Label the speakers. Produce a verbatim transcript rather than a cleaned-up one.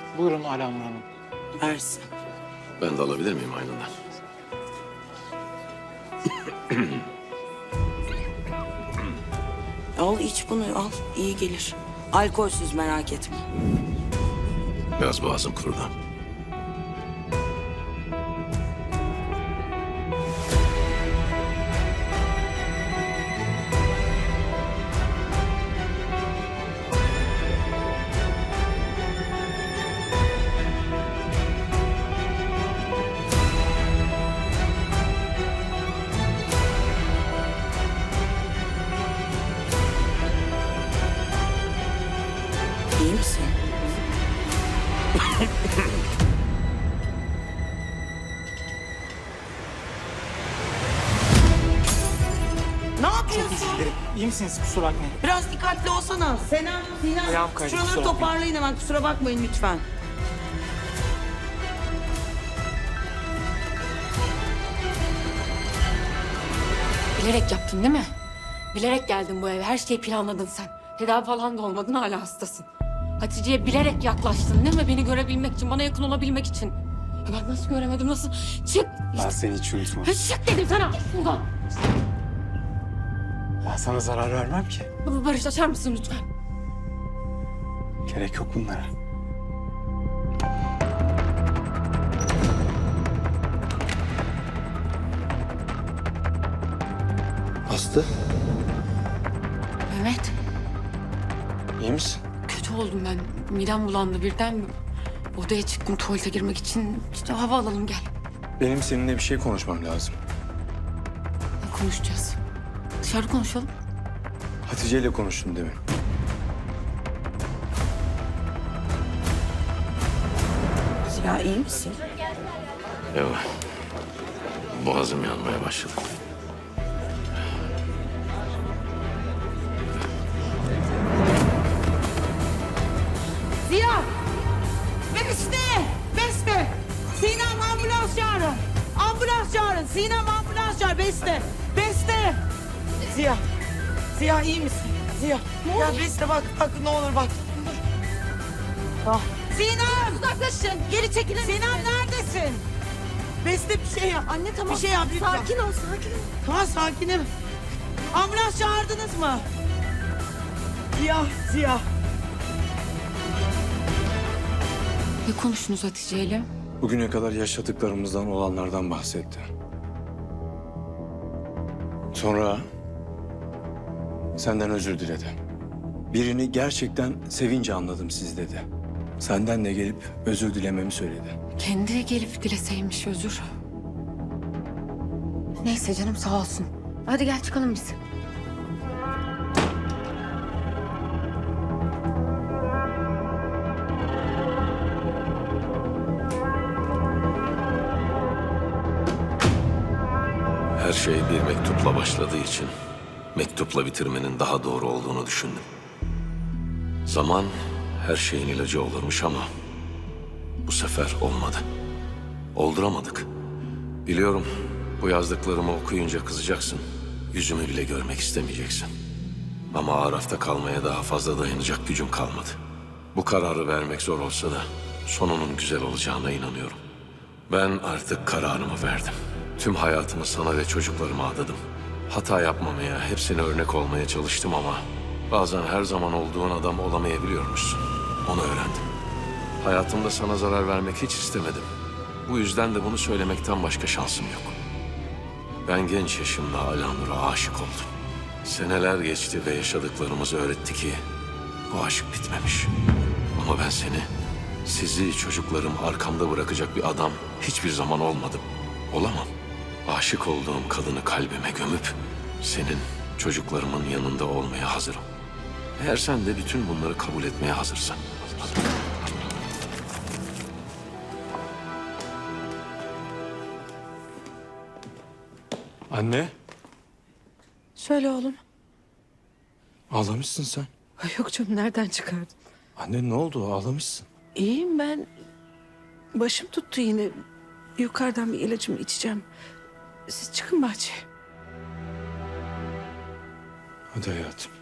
Speaker 1: Buyurun Alanur Hanım.
Speaker 2: Versin.
Speaker 3: Ben de alabilir miyim aynından?
Speaker 2: Al iç bunu al. İyi gelir. Alkolsüz merak etme.
Speaker 3: Biraz boğazım kurudu.
Speaker 2: İyi misin? Ne yapıyorsun?
Speaker 1: İyi misiniz? Kusura bakmayın.
Speaker 2: Biraz dikkatli olsana. Senem, Sinem.
Speaker 1: Ayağım kaydı,
Speaker 2: Şuraları
Speaker 1: kusura bakmayın.
Speaker 2: toparlayın hemen. Kusura bakmayın lütfen.
Speaker 4: Bilerek yaptın değil mi? Bilerek geldin bu eve. Her şeyi planladın sen. Tedavi falan da olmadın, hala hastasın. Hatice'ye bilerek yaklaştın değil mi? Beni görebilmek için, bana yakın olabilmek için. Ya ben nasıl göremedim, nasıl? Çık!
Speaker 1: Ben seni hiç unutmam.
Speaker 4: Ya çık dedim sana! Buradan!
Speaker 1: Ben sana zarar vermem ki.
Speaker 4: Barış, açar mısın lütfen?
Speaker 1: Gerek yok bunlara.
Speaker 3: Aslı,
Speaker 4: Mehmet,
Speaker 1: İyi misin?
Speaker 4: kötü oldum ben. Midem bulandı birden. Odaya çıktım tuvalete girmek için. İşte hava alalım, gel.
Speaker 5: Benim seninle bir şey konuşmam lazım.
Speaker 4: Ne konuşacağız? Dışarı konuşalım.
Speaker 5: Hatice ile konuştum demin.
Speaker 2: Ya iyi misin?
Speaker 3: yok. Boğazım yanmaya başladı.
Speaker 2: Ziya! Beste! Beste! Sinem ambulans çağırın. Ambulans çağırın. Sinem ambulans çağır. Beste! Beste! Ziya! Ziya iyi misin? Ziya! Ya Beste bak, bak ne olur bak. Ah. Sinem! Uzaklaşın. Geri çekilin. Sinem neredesin? Beste bir şey yap. Anne tamam. Bir şey yap lütfen. Sakin ol, sakin ol. Tamam sakinim. Ambulans çağırdınız mı? Ziya, Ziya.
Speaker 4: Ne konuştunuz Hatice'yle?
Speaker 5: Bugüne kadar yaşadıklarımızdan, olanlardan bahsetti. Sonra senden özür diledi. Birini gerçekten sevince anladım siz dedi. Senden de gelip özür dilememi söyledi.
Speaker 4: Kendi gelip dileseymiş özür. Neyse canım, sağ olsun. Hadi gel çıkalım biz.
Speaker 3: Her şey bir mektupla başladığı için mektupla bitirmenin daha doğru olduğunu düşündüm. Zaman her şeyin ilacı olurmuş ama bu sefer olmadı. Olduramadık. Biliyorum, bu yazdıklarımı okuyunca kızacaksın. Yüzümü bile görmek istemeyeceksin. Ama Araf'ta kalmaya daha fazla dayanacak gücüm kalmadı. Bu kararı vermek zor olsa da sonunun güzel olacağına inanıyorum. Ben artık kararımı verdim. Tüm hayatımı sana ve çocuklarıma adadım. Hata yapmamaya, hepsine örnek olmaya çalıştım ama bazen her zaman olduğun adam olamayabiliyormuşsun. Onu öğrendim. Hayatımda sana zarar vermek hiç istemedim. Bu yüzden de bunu söylemekten başka şansım yok. Ben genç yaşımda Alanur'a aşık oldum. Seneler geçti ve yaşadıklarımız öğretti ki bu aşk bitmemiş. Ama ben seni, sizi, çocuklarım arkamda bırakacak bir adam hiçbir zaman olmadım. Olamam. Aşık olduğum kadını kalbime gömüp senin, çocuklarımın yanında olmaya hazırım. Eğer sen de bütün bunları kabul etmeye hazırsan.
Speaker 5: Anne,
Speaker 6: Söyle oğlum.
Speaker 5: ağlamışsın sen.
Speaker 6: Ay yok canım, nereden çıkardın?
Speaker 5: Anne ne oldu? Ağlamışsın.
Speaker 6: İyiyim ben. Başım tuttu yine. Yukarıdan bir ilacımı içeceğim. Siz çıkın bahçeye.
Speaker 5: Hadi hayatım.